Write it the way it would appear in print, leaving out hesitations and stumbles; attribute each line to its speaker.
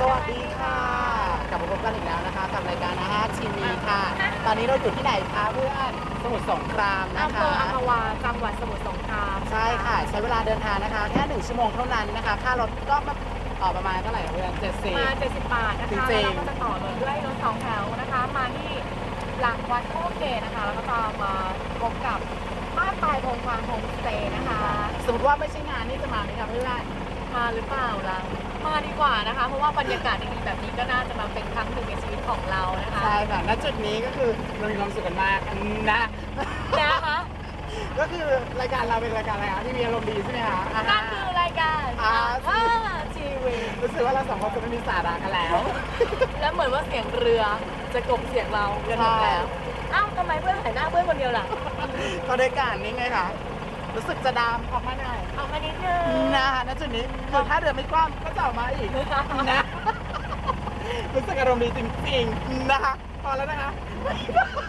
Speaker 1: วัสดีค่ะกลับมาพบกันอีกแล้วนะคะกับรายการอาหารทีวีค่ะตอนนี้เราอยู่ที่ไหนคะเพื่อนสมุทรสงครามนะ
Speaker 2: อำเภ
Speaker 1: คะ
Speaker 2: ออัมพวาจังหวัดสมุทรสงคราม
Speaker 1: ใช่ค่ะใช้เวลาเดินทางนะคะแค่1 ชั่วโมงเท่านั้นนะคะค่ารถก็ประมาณเท่าไหร่เพื่อน70
Speaker 2: มา70 บาทนะคะ
Speaker 1: จริ
Speaker 2: แล้ว
Speaker 1: งๆ
Speaker 2: เราก็จะต่อรถด้วยรถ2 แถวนะคะ มาที่หลังวัดโคเกตนะคะ แล้วก็จะมาพบกับบ้านปลายพงฟางโฮมสเตย์นะคะ
Speaker 1: สมมติว่าไม่ใช่งานนี่จะมาไหมคะเพื่อน
Speaker 2: มาหรือเปล่าล่ะมาดีกว่านะคะ เพราะว่าบรรยากาศดีๆแบบนี้ก็น่าจะมาเป็นครั้งหนึ่งในชีวิตของเรานะคะ
Speaker 1: ใช่ค่ะณจุดนี้ก็คือเรามีความสุขกันมากนะ
Speaker 2: นะคะ
Speaker 1: ก็คือรายการเราเป็นรายการอะไรคะที่มีอารมณ์ดีใช่ไหมคะ
Speaker 2: นั่นคือรายการทีวี
Speaker 1: รู้สึกว่าเราสองคนจะไม่มีสาระกันแล้ว
Speaker 2: และเหมือนว่าเสียงเรือจะกลบเสียงเราเรือหมดแล้วอ้าวทำไมเพื่อนถ่ายหน้าเพื่อนคนเดียวล่ะ
Speaker 1: ก็ได้การนี้ไงคะรู้สึกจะดามออกมาหน่อย
Speaker 2: เอามานิดนึง
Speaker 1: นะคะณจุดนี้คือถ้าเรือไม่กว้างก็จะออกมาอีกนะรู้สึกอารมณ์ดีจริงๆนะคะพอแล้วนะคะ